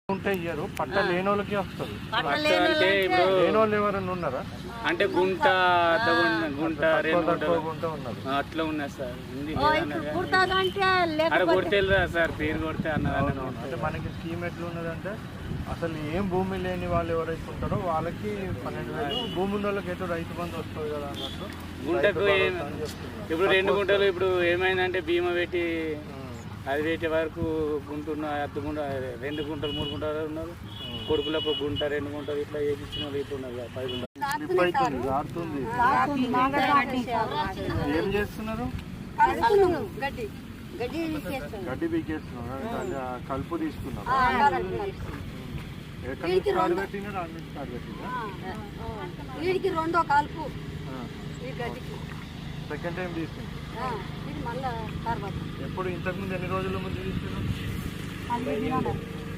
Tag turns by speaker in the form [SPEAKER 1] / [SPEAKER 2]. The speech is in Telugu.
[SPEAKER 1] ఉంటే ఇయ్యరు, పట్ట లేని వాళ్ళకి వస్తుంది. లేని వాళ్ళు ఎవరైనా ఉన్నారా?
[SPEAKER 2] అంటే గుంట గుంట అట్లా ఉన్నా సార్. కొడితే సార్ పేరు కొడితే అన్నారు.
[SPEAKER 1] అంటే మనకి స్కీమ్ ఎట్లా ఉన్నదంటే అసలు ఏం భూమి లేని వాళ్ళు ఎవరైతే ఉంటారో వాళ్ళకి 12,000, భూమి ఉన్న వాళ్ళకి అయితే రైతు బంధు వస్తుంది కదా అన్నట్టు.
[SPEAKER 2] గుంటకు ఇప్పుడు 2 గుంటలు ఇప్పుడు ఏమైందంటే బీమా పెట్టి అది పెట్టే వరకు గుంటున్న అర్ధ గుంట 2 గుంటలు 3 గుంటలు ఉన్నారు. కొడుకులకు గుంట 2 గుంటలు ఇట్లా వేయించిన వాళ్ళు ఇప్పుడు ఉన్నారు 10 గుంటలు.
[SPEAKER 1] ఏం చేస్తున్నారు? గడ్డి పీకేస్తున్నారు, కలుపు తీసుకున్నారు.
[SPEAKER 3] వీడికి 2వ కాల్పు,
[SPEAKER 1] సెకండ్ టైం తీసుకుంటారు. ఎప్పుడు ఇంతకుముందు ఎన్ని రోజుల ముందు తీసుకున్నారు?